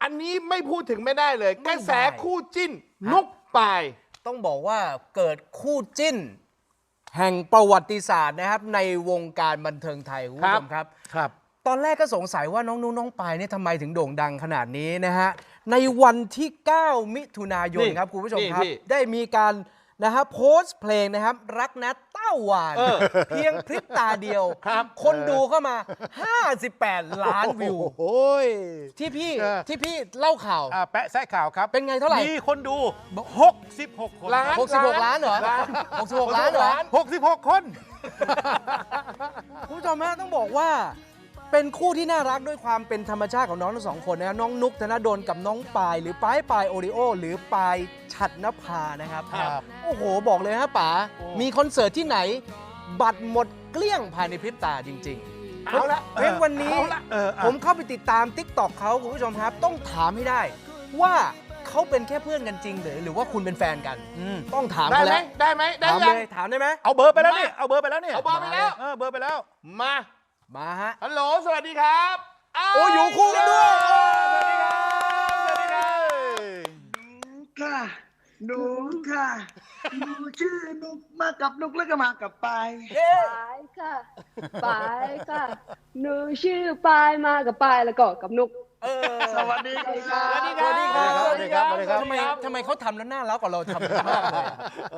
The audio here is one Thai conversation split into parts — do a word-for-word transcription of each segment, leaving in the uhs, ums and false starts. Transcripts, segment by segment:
อันนี้ไม่พูดถึงไม่ได้เลยกระแสคู่จิ้นนุกปายต้องบอกว่าเกิดคู่จิ้น แห่งประวัติศาสตร์นะครับในวงการบันเทิงไทยคุณผู้ชมครับครับตอนแรกก็สงสัยว่าน้องนุ้งน้องปายเนี่ยทำไมถึงโด่งดังขนาดนี้นะฮะในวันที่ เก้า มิถุนายนครับคุณผู้ชมครับได้มีการนะฮะโพสต์เพลงนะครับรักนะเต้าหวานเพียงพริบตาเดียวคนดูเข้ามาห้าสิบแปดล้านวิวโอ้ยที่พี่ที่พี่เล่าข่าวแปะแซะข่าวครับเป็นไงเท่าไหร่มีคนดูหกสิบหกคนล้านหกสิบหกล้านเหรอหกสิบหกล้านเหรอหกสิบหกคนคุณผู้ชมฮะต้องบอกว่าเป็นคู่ที่น่ารักด้วยความเป็นธรรมชาติของน้องทั้งสองคนนะน้องนุ๊กธนดลกับน้องปายหรือปายปายโอริโอหรือปายฉัตรนภานะครับโอ้โหบอกเลยฮะป๋ามีคอนเสิร์ตที่ไหนบัตรหมดเกลี้ยงภายในพริบตาจริงๆเอาละเพลงวันนี้ผมเข้าไปติดตาม ติ๊กต็อก เขาคุณผู้ชมครับต้องถามให้ได้ว่าเขาเป็นแค่เพื่อนกันจริงหรือหรือว่าคุณเป็นแฟนกันต้องถามได้ไหมเขาแล้วได้ไหมได้ถามยัเลงยถามได้ไหมเอาเบอร์ไปแล้วนี่เอาเบอร์ไปแล้วนี่เอาเบอร์ไปแล้วเออเบอร์ไปแล้วมามาฮะฮัลโหลสวัสดีครับโอ้อยู่คู่กันด้วยสวัสดีครับสวัสดีครับค่ะหนูค่ะหนูชื่อนุกมากับนุกแล้วก็มากับปายปายค่ะปายค่ะหนูชื่อปายมากับปายแล้วก็กับนุกสวัสดีครับสวัสดีครับสวัสดีครับสวัสดีครับทำไมทำไมเขาทำแล้วน่ารักกว่าเราทำมากเลย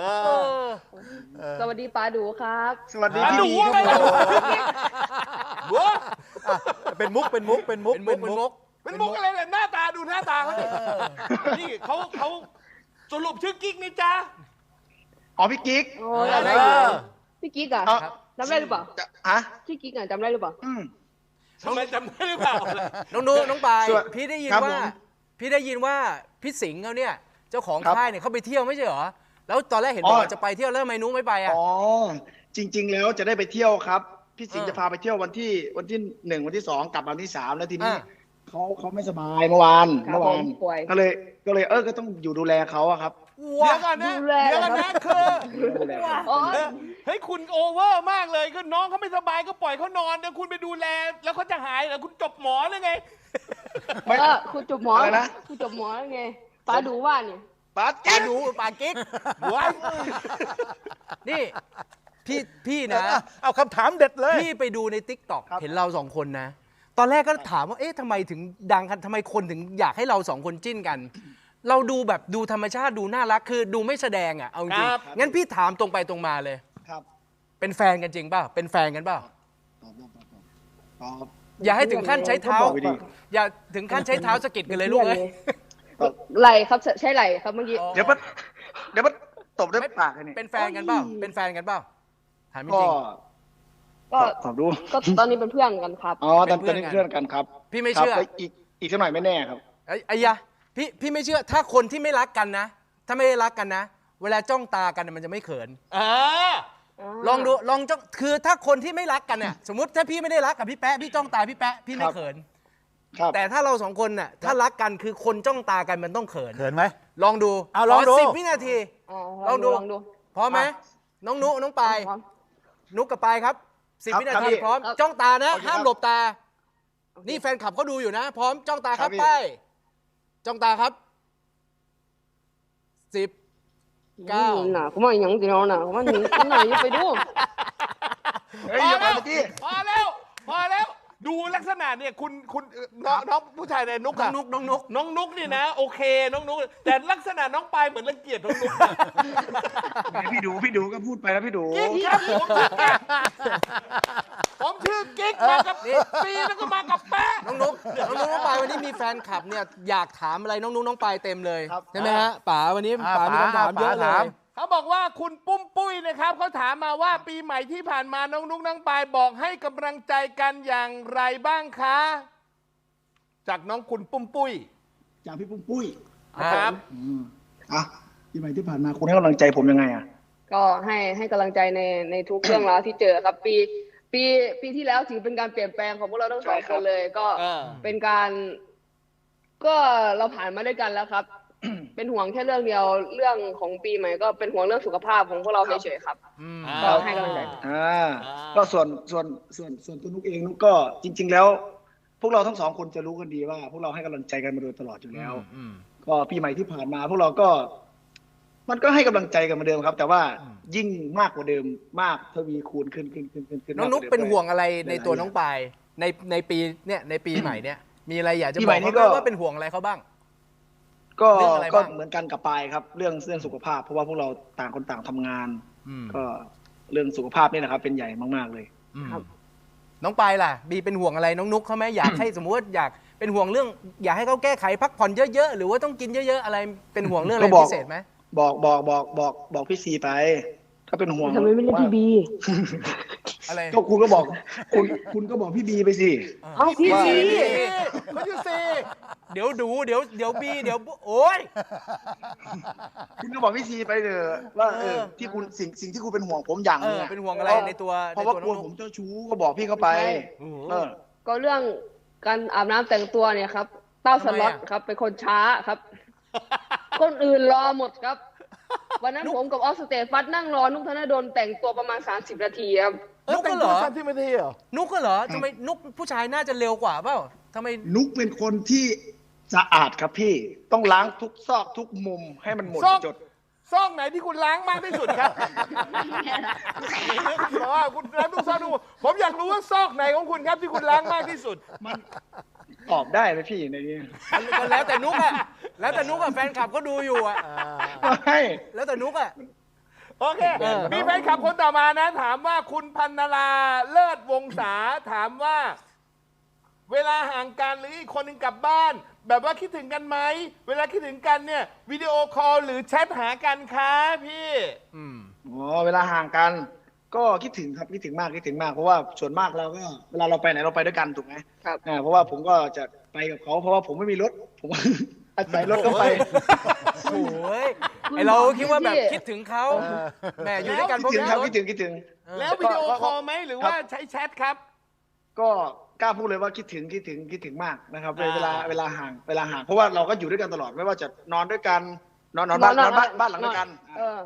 สวัสดีปาดูครับสวัสดีหนูพี่อะไรครับบัวเป็นมุกเป็นมุกเป็นมุกเป็นมุกเป็นมุกเป็นมุกอะไรเนี่ยหน้าตาดูหน้าตาเขาดินี่เขาเขาสรุปชื่อกิ๊กนี่จ้าอ๋อพี่กิ๊กโอ้จำได้อยู่พี่กิ๊กอะจำได้หรือเปล่าฮะพี่กิ๊กอะจำได้หรือเปล่าอืมทำไมจำได้หรือเปล่าน้องนูน้องปายสวัสดีพี่ได้ยินครับว่าผมพี่ได้ยินว่าพี่สิงห์เขาเนี่ยเจ้าของครับค่ายเนี่ยเขาไปเที่ยวไม่ใช่เหรอแล้วตอนแรกเห็นบอกว่าจะไปเที่ยวแล้วทำไมนุ้งไม่ไปอ่ะอ๋อจริง ๆ แล้วจะได้ไปเที่ยวครับพี่สิงห์เออจะพาไปเที่ยววันที่วันที่หนึ่งวันที่สองกลับวันที่สามแล้วทีนี้อ่าเขาเขาไม่สบายเมื่อวานครัเมื่บอผวาม นป่วยก็เลยก็เลยเออก็ต้องอยู่ดูแลเขาอะครับเดี๋ยวก่อนนะดูแลเดี๋ยวก่อนนะคือดูแลเขาอ๋อเฮ้ยคุณโอเวอร์มากเลยคือน้องเขาไม่สบายก็ปล่อยเขานอนเดี๋ยวคุณไปดูแลแล้วเขาจะหายเหรอคุณจบหมอเลยไงไม่เออคุณจบหมออะไรนะคุณจบหมอไงปาดูว่าเนี่ยปาปากิ๊กดูปากิ๊กว้ายนี่พี่พี่นะเอาคำถามเด็ดเลยพี่ไปดูใน ติ๊กต็อก เห็นเราสองคนนะ ตอนแรกก็ถามว่าเอ๊ะทำไมถึงดังกันทำไมคนถึงอยากให้เราสองคนจิ้นกัน เราดูแบบดูธรรมชาติดูน่ารักคือดูไม่แสดงอ่ะเอาจริงงั้นพี่ถามตรงไปตรงมาเลยครับเป็นแฟนกันจริงเปล่าเป็นแฟนกันเปล่าตอบตอบตอบตอบอย่าให้ถึงขั้นใช้เท้าก็บอกไปดิอย่าถึงขั้นใช้เท้าสะกิดกันเลยลูกเอ้ยไหลครับใช่ไหลครับเมื่อกี้เดี๋ยวมันเดี๋ยวมันตบด้วยปากเลยนี่เป็นแฟนกันเปล่าเป็นแฟนกันเปล่าถามจก็ริงก็ตอบดูก็ตอนนี้เป็นเพื่อนกันครับอ๋อตอนตอนนี้เพื่อนกันครับพี่ไม่เชื่อครับแล้วอีกอีกสักหน่อยไม่แน่ครับไอ้ไอ้ยะพี่พี่ไม่เชื่อถ้าคนที่ไม่รักกันนะ ถ้าไม่ได้รักกันนะ เวลาจ้องตากันมันจะไม่เขินอ่าลองดูลองจ้องคือถ้าคนที่ไม่รักกันเนี่ยสมมติถ้าพี่ไม่ได้รักกับพี่แป๊ะพี่จ้องตาพี่แป๊ะพี่ไม่ครับเขินครับแต่ถ้าเราสองคนน่ะถ้ารักกันคือคนจ้องตากันมันต้องเขินเขินไหมลองดูเอาลองดูสิบวินาทีอ๋อลองดูลองดูพร้อมไหมน้องนุน้องปายพร้อมนุกกับปายครับสิบครับวินาครับทีพี่พร้อมครับจ้องตานะโอเคครับห้ามหลบตา นี่แฟนคลับเขาดูอยู่นะ พร้อมจ้องตาครับครับพี่ไปจ้องตาครับสิบเก้าหนาผมว่าอย่างเดียวนะผมว่าหนีหนาอย่าไปดูเฮ้ยพออย่าไปแล้วเมื่อกี้พอแล้วพอแล้วดูลักษณะเนี่ยคุณคุณเอ่อน้องน้องผู้ชายในนุกน้ออะงนุกน้องนุกน้องนุกนี่นะโอเคน้องนุกแต่ลักษณะน้องปายเหมือนรังเกียจน้องนุกพี่ดูพี่ดูก็พูดไปแล้วพี่ดูกิ๊กครับผมชื่อกิ๊กผมชื่อกิ๊กมากับปีแล้วก็มากับแป๊ะน้องนุกน้องนุกน้องปายวันนี้มีแฟนคลับเนี่ยอยากถามอะไรน้องนุกน้องปายเต็มเลยครับใช่ไหมฮะป๋าวันนี้อ่าป๋ามีคำถามป๋าเยอะเลถามยเขาบอกว่าคุณปุ้มปุ้ยนะครับเขาถามมาว่าปีใหม่ที่ผ่านมาน้องนุกน้องปายบอกให้กำลังใจกันอย่างไรบ้างคะ จากน้องคุณปุ้มปุ้ยจากพี่ปุ้มปุ้ยครับอืมอ่ะที่ใหม่ที่ผ่านมาคุณให้กำลังใจผมยังไงอ่ะก็ให้ให้กำลังใจในในทุกเรื่องราวที่เจอครับ ปีปีปีที่แล้วถือเป็นการเปลี่ยนแปลงของพวกเราทั้งสองใช่คครับ นเลย ก็เออเป็นการ ก็เราผ่านมาด้วยกันแล้วครับ เป็นห่วงแค่เรื่องเดียวเรื่องของปีใหม่ก็เป็นห่วงเรื่องสุขภาพของพวกเราเฉยๆครับ ก็ให้กำลังใจอ่าก็ส่วนส่วนส่วนส่วนตัวนุกเองนุกก็จริง ๆ แล้วพวกเราทั้งสองคนจะรู้กันดีว่า พวกเราให้กำลังใจกันมาโดยตลอดอยู่แล้วอืมก็ปีใหม่ที่ผ่านมาพวกเราก็ มันก็ให้กำลังใจกันเหมาเดิมครับ แต่ว่ายิ่งมากกว่าเดิมมากทวีคูณขึ้นขึ้นขึ้นขึ้นขึ้นน้องนุ๊กมากว่าดิมเป็นห่วงอะไรในตัวหลายๆน้องปายในในปีเนี่ยในปีใหม่เนี่ยมีอะไรอยากจะปีบใหอม่กนี้เขาก็ไหมว่าเป็นห่วงอะไรเขาบ้างก็เรื่องอะไรก็บ้างเหมือนกันกับปายครับ เรื่องเรื่องสุขภาพ เพราะว่าพวกเราต่างคนต่างทำงานอืมก็เรื่องสุขภาพนี่นะครับ เป็นใหญ่มากๆเลยอืมครับน้องปายล่ะบีเป็นห่วงอะไรน้องนุ๊กเขาไหมอยากให้ สมมติว่าอยากเป็นห่วงเรื่อง อยากให้เขาแก้ไขพักผ่อนเยอะๆหรือว่าต้องกินเยอะๆอะไรเป็นห่วงเรื่องอะไรก็บอกพิเศษไหมบอกบอกบอกบอกบอกพี่ซีไป ถ้าเป็นห่วงทำไมไม่เล่นพี่บีอะไรก็คุณก็บอก คุณคุณก็บอกพี่บีไปสิเอาพี่ว่าบีเขาชื่อซีเดี๋ยวดูเดี๋ยวเดี๋ยวบีเดี๋ยวโอ๊ยคุณก็บอกพี่ซีไปเถอะว่าเอเอออที่คุณสิ่งสิ่งที่คุณเป็นห่วงผมอย่างเอนึงออะเป็นห่วงอะไรในตัวเพในราะว่าตัวกน้ลัอวงผนุ๊มกเจ้าชู้ก็บอกพี่เขาไปโอ้โหเออก็เรื่องการอาบน้ำแต่งตัวเนี่ยครับ เต้าสล็อตทำไมอะครับ เป็นคนช้าครับ คนอื่นรอหมดครับ วันนั้นผมกับออสเตฟัสนั่งรอนุกธนดลแต่งตัวประมาณสามสิบนาทีครับนุ๊กก็เหรอสามสิบนาทีเหรอนุ๊กก็เหรอทำไมนุ๊กผู้ชายน่าจะเร็วกว่าเปล่าทำไมนุกเป็นคนที่สะอาดครับพี่ต้องล้างทุกซอกทุกมุมให้มันหมดซอกจดซอกไหนที่คุณล้างมากที่สุดครับเพราะว่าคุณล้างทุกซอกทุกมุมผมอยากรู้ว่าซอกไหนของคุณครับที่คุณล้างมากที่สุดมันตอบได้ไหมพี่ในนี้ก็แล้วแต่นุ๊กอะแล้วแต่นุ๊กอะแฟนคลับก็ดูอยู่อะไม่แล้วแต่นุ๊กอะโอเคเออมีแฟนคลับคนต่อมานะ ถามว่าคุณพันนราเลิศวงศาถามว่า เวลาห่างกันหรืออีกคนหนึ่งกลับบ้าน แบบว่าคิดถึงกันไหม เวลาคิดถึงกันเนี่ยวิดีโอคอลหรือแชทหากันคะพี่อืมอ๋อเวลาห่างกัน ก็คิดถึงครับคิดถึงมากคิดถึงมากเพราะว่าส่วนมากเราก็เวลาเราไปไหนเราไปด้วยกันถูกไหมครับอ่าเพราะว่าผมก็จะไปกับเขาเพราะว่าผมไม่มีรถผม อาศัยรถเขาไปโอ้ยไอเราคิดว่าแบบคิดถึงเขาแหมอยู่ด้วยกันเพคิดราะถึงมีครับรถคิดถึงคิดถึงแล้ววิดีโอคอลไหมหรือว่าใช้แชทครับก็กล้าพูดเลยว่าคิดถึงคิดถึงคิดถึงมากนะครับอ่าเวลาเวลาห่างเวลาห่างเพราะว่าเราก็อยู่ด้วยกันตลอดไม่ว่าจะนอนด้วยกันนอนนอนบ้านนอนบ้านบ้านหลังด้วยกันเออ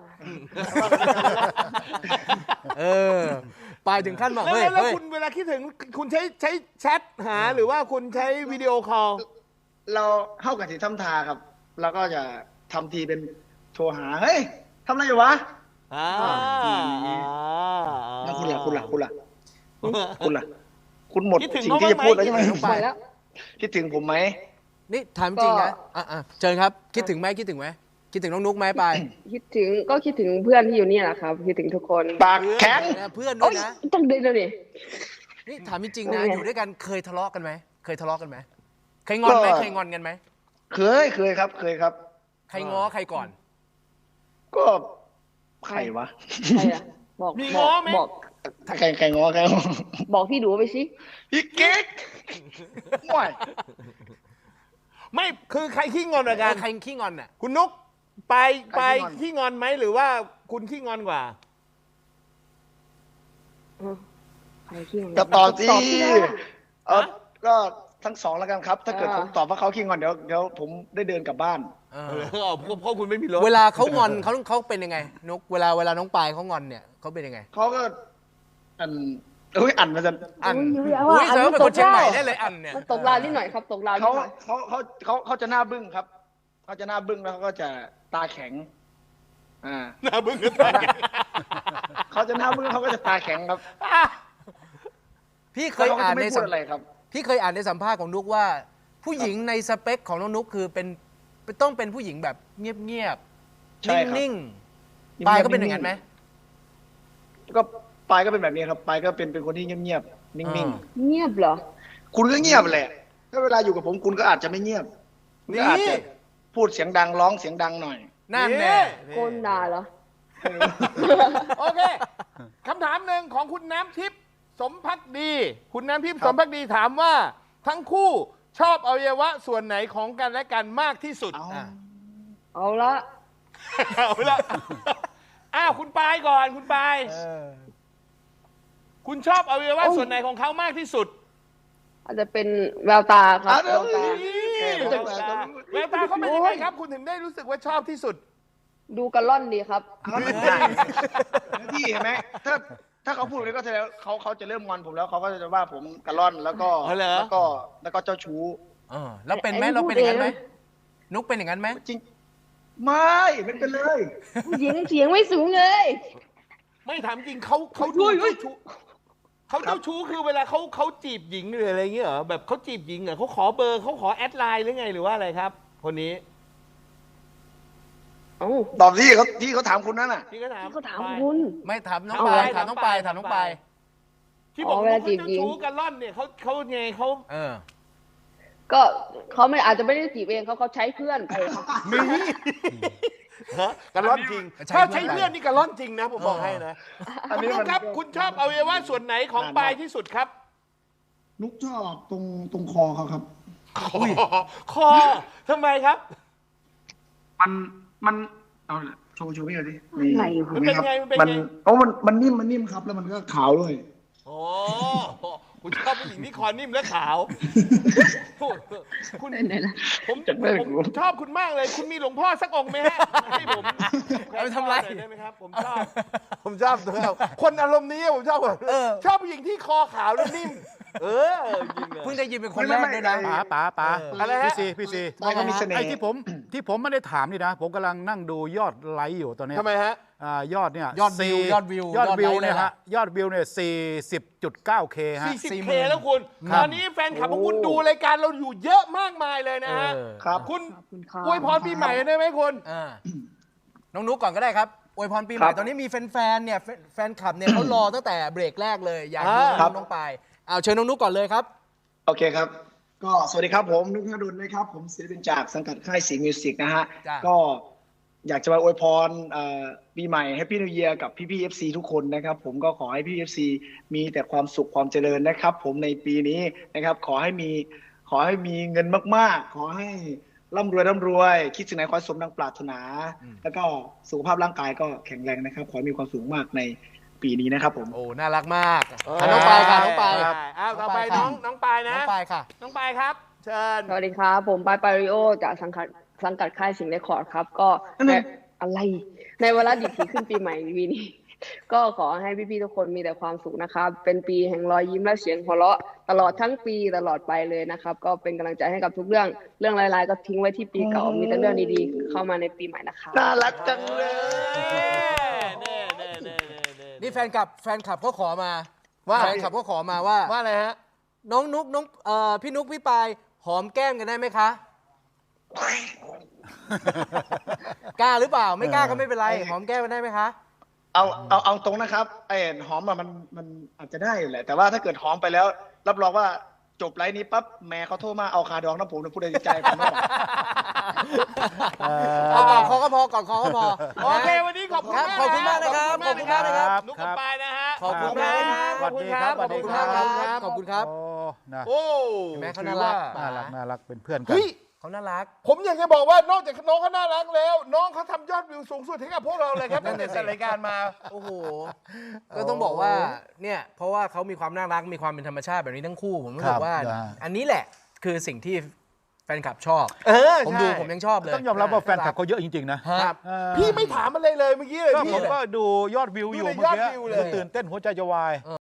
เออปลายถึงขั้นบอกแล้วเฮ้ยแล้วเฮ้ยคุณเวลาคิดถึงคุณใช้ใช้แชทหาหรือว่าคุณใช้วิดีโอคอลเราเข้ากับที่ทำทาครับเราก็จะทำทีเป็นโทรหาเฮ้ยทำอะไรอยู่วะอ่าแล้วคุณล่ะคุณล่ะคุณล่ะคุณล่ะคุณหมดคิดถึงสิ่งเขาที่จะบ้างไหมพูดแล้วใช่ไหมไปแล้วคิดถึงผมไหมนี่ถามจริงนะอ่ะอ่ะเชิญครับ คิดถึงไหมคิดถึงไหมคิดถึงน้องนุ๊กไหมปลายคิดถึงก็คิดถึงเพื่อนที่อยู่เนี่ยแหละครับ คิดถึงทุกคนปากแข็งเพื่อนด้โอ้วยยนะต้องเดินเลยนี่นี่ถามจริงๆนะโอ้โหอยู่ด้วยกันเคยทะเลาะกันไหมเคยทะเลาะกันไหมเคยงอนไหมเคยงอนกันไหมเคยเคยครับ เคยครับใครง้อใครก่อนก็ใครวะใครอะบอกมีบง้ออก ไหมบอกใครใครงอใครงอบอกพี่ดูไปสิพี่เก๊กห่วยไม่คือใครขี้งอนกว่าเอกัอน ใครขี้งอนน่ะคุณนุ๊กไปไปขี้งอนไหมหรือว่าคุณขี้งอนกว่าใครขี้งอนจะตอบสิตอบสินะเออก็ทั้งสองแล้วกันครับ ถ้าเกิดอ่าผมตอบว่าเขาขี้งอนเดี๋ยวเดี๋ยวผมได้เดินกลับบ้านเอเอออเพราะเพราะคุณไม่มีรถเวลาเขางอนเขาเขาเป็นยังไงนุ๊กเวลาเวลาน้องปลายเขางอนเนี่ยเขาเป็นยังไงเขาก็อันเอ้ยอันมาจะอันอุ้ยอุ้ยอันแสดงมัว่าเป็นคนเชียงใหม่ได้เลยอันเนี่ยมันตกราวนิดหน่อยครับ ตกราวนิเขาดหน่อยเขาเขาเขาเขาจะหน้าบึ้งครับเขาจะหน้าบึ้งแล้วเขาก็จะตาแข็งอ่าหน้าบึ้งกันไปเขาจะหน้าบึ้งเขาก็จะตาแข็งครับพี่เคแล้วยเขาก็อ่าจะนไม่ในพูสัดมอะไรครับพี่เคยอ่านในสัมภาษณ์ของนุ๊กว่า ผู้หญิงในสเปคของน้องนุ๊กคือเป็นต้องเป็นผู้หญิงแบบเงียบใช่ครับๆนิ่งๆปลายก็เป็นอย่างนั้นไหมก็ปายก็เป็นแบบนี้ครับปายก็เป็นเป็นคนที่เงียบๆนิ่งอ่าเงียบเหรอๆคุณก็เงียบแหละถ้าเวลาอยู่กับผมคุณก็อาจจะไม่เงียบคุณก็อาจจะพูดเสียงดังร้องเสียงดังหน่อยนั่นแน่โกนด่าเหรอโอเคคำถามหนึ่งของคุณน้ำทิพย์สมพักดี คุณน้ำทิพย์สมพักดีถามว่า ทั้งคู่ชอบอวัยวะส่วนไหนของกันและกันมากที่สุดเอาอ่ะเอาละเอาละอ้าวคุณปายก่อนคุณปายเออคุณชอบอวัยวะส่วนไหนของเขามากที่สุดอาจจะเป็นแววตาครับอ่ะแววตานี่แววตาแววตาเขาเป็นยังไงครับ คุณถึงได้รู้สึกว่าชอบที่สุดดูกระล่อนดีครับเอาหน้าที่เห็นไหมถ้าถ้าเขาพูดเลยก็แสดงว่าเขาเขาจะเริ่มงอนผมแล้วเขาก็จะว่าผมกระล่อนแล้วก็อ๋อเหรอแล้วก็แล้วก็เจ้าชู้เออแล้วเป็นไหมไอ้เราเป็นอย่างนั้นไหมพูดเองนุกเป็นอย่างนั้นไหมจริงไม่ไม่เป็นเลยผู้หญิงเสียงไม่สูงเลยไม่ถามจริงเขาเขาดูเจ้าชู้เขาเจ้าชู้คือเวลาเขาเขาจีบหญิงหรืออะไรเงี้ยเหรอแบบเขาจีบหญิงเหรอเขาขอเบอร์เขาขอแอดไลน์หรือไงหรือว่าอะไรครับ คนนี้เอ้าตอบที่เขาที่เขาถามคุณนั่นน่ะพี่ก็ถามเขาถามคุณไม่ถามน้องเอาปายไว้ถามน้องปายถามน้องปายที่บอกอ๋อว่าเวลาเขาจีบเจ้าหญิงชู้กันล่อนเนี่ยเขาเขาไงเขาเออก็เขาไม่อาจจะไม่ได้จีบเองเขาเขาใช้เพื่อนไปครับมีฮะกันล่อนจริงใช้ถ้าเพื่อนใช้เพื่อนนี่กันล่อนจริงนะผมบอกเออให้นะอันคุณนี้นุ๊มักนครับ คุณชอบอวัยวะส่วนไหนของปลายที่สุดครับนุกชอบตรงตรงคอเขาครับคอคอทำไมครับมันมันเอาล่ะโชว์โชว์พี่หน่อยดิอะไรวะมันเป็นไงมันเป็นมันไงโอ้มันมันนิ่มมันนิ่มครับ แล้วมันก็ขาวด้วยโอ้คุณชอบผู้หญิงที่คอนิ่มและขาว คุณไหนล่ะผมผมชอบคุณมากเลย คุณมีหลวงพ่อสักองค์ไหมฮะให้ผมเอาไปทำไรหน่อยได้ไหมครับ ผมชอบ ผมชอบตัวคนอารมณ์นี้ผมชอบแบบเออชอบผู้หญิงที่คอขาวและนิ่ม เออจริงเลยเพิ่งได้ยินเป็นคนแรกด้วยนะป๋าป๋าป๋าเอออะไรฮะพี่ซีพี่ซีไม่เขามีเสน่ไอ้ห์ที่ผมที่ผมไม่ได้ถามนี่นะ ผมกำลังนั่งดูยอดไลค์อยู่ตอนเนี้ยทำไมฮะอ่ายอดเนี่ยยอดวิวสี่ยอดวิวยอดวิวยอดไลค์เนี่ยเลยฮะยอดวิวเนี่ยสี่สิบจุดเก้าเคฮะสี่สิบสี่หเคมื่นแล้วคุณครับตอนนี้แฟนคลับของคุณดูรายการเราอยู่เยอะมากมายเลยนะฮะเออครับคุณขอบคุณครับอวยพรปีใหม่ได้ไหมคุณอ่าน้องนุกก่อนก็ได้ครับอวยพรปีใหม่ครับตอนนี้มีแฟนๆเนี่ยแฟนแฟนคลับเนี่ย เขารอตั้งแต่เบรกแรกเลยอยากดูอ่าน้องน้องปายเอาเชิญน้องนุกก่อนเลยครับโอเคครับ ก็สวัสดีครับผมนุกธนดลนะครับ ผมศิลปินจากสังกัดค่ายสิงห์มิวสิกนะฮะจ้ะก็อยากจะมาอวยพรเอ่อปีใหม่ให้พี่นิวเยียกับพี่พี่เอฟซีทุกคนนะครับ ผมก็ขอให้พี่เอฟซีมีแต่ความสุขความเจริญนะครับ ผมในปีนี้นะครับ ขอให้มีขอให้มีเงินมากๆ ขอให้ร่ำรวยร่ำรวย คิดสิ่งไหนขอให้สมดังปรารถนา แล้วก็สุขภาพร่างกายก็แข็งแรงนะครับ ขอให้มีความสุขมากในปีนี้นะครับผมโอ้น่ารักมากอ่ะน้องปายค่ะน้องปายอ้าวต่อไปน้น้ออง งน้องปายนะน้องปายค่ะน้องปายครับ เชิญสวัสดีครับ ผมปายปาริโอจากสังกัดสังกัดค่ายสิงห์เรคคอร์ดครับ ก็นั่นในน่ะอะไร ในเวลาดิบที่ขึ้นปีใหม่ปีนี้ ก็ขอให้พี่ๆทุกคนมีแต่ความสุขนะครับ เป็นปีแห่งรอยยิ้มและเสียงหัวเราะตลอดทั้งปีตลอดไปเลยนะครับ ก็เป็นกำลังใจให้กับทุกเรื่องเรื่องร้ายๆก็ทิ้งไว้ที่ปีเก่ามีแต่เรื่องดีๆเข้ามาในปีใหม่นะคะน่ารักจังเลยเน่เน่เน่เน่เน่นี่แฟนคลับแฟนคลับเขาขอมาว่าแฟนคลับเขาขอมาว่าว่าอะไรฮะน้องนุกน้องเอ่อพี่นุกพี่ปายหอมแก้มกันได้ไหมคะ กล้าหรือเปล่าไม่กล้าก็ไม่เป็นไร หอมแก้มกันได้ไหมคะเอาเอาเอาตรงนะครับไอ้หอมอะมันมันอาจจะได้อยู่แหละ แต่ว่าถ้าเกิดหอมไปแล้ว รับรองว่าจบไลฟ์นี้ปั๊บแม่เขาโทรมาเอาคาดองน้ำผมนะพูดในใจผมไม่บอกเอาก่อนคอก็พอก่อนคอก็พอโอเค วันนี้ขอบคุณครับมากขอบคุณมากนะครับขอบคุณมากนะคขอบคุณมากนะครัรับบ นุกกับปายนะฮะขอบคุณมากขอบคุณครับสวัสดีขอบคุณครัมากบครับขอบคุณครับโอ้นะโอ้เห็นไหมเขาถืน่าอรัว่ากน่ารักน่ารักเป็นเพื่อนกันเฮ้ยเขาน่ารักผมอยากจะบอกว่านอกจากน้องเขาน่ารักแล้ว น้องเขาทำยอดวิวสูงสุดให้กับพวกเราเลยครับนั่ตั้งนแต่น่ะสิจัดรายการมาโอ้โห ก็ต้องบอกว่า เนี่ย เพราะว่าเขามีความน่ารัก มีความเป็นธรรมชาติแบบนี้ทั้งคู่ ผมรู้สึครักบว่านะอันนี้แหละ คือสิ่งที่แฟนคลับชอบเออผมใช่ดูผมยังชอบเลยต้องยอมรับว่าแฟนคลับเขาเยอะจริง ๆ นะฮะครับเออพี่ไม่ถามอะไรเลยเมื่อกี้เลยก็พี่ผมก็ดูยอดวิวอยู่ดูในเมื่อยอดกี้วิวเลยตื่นเต้นหัวใจจะวาย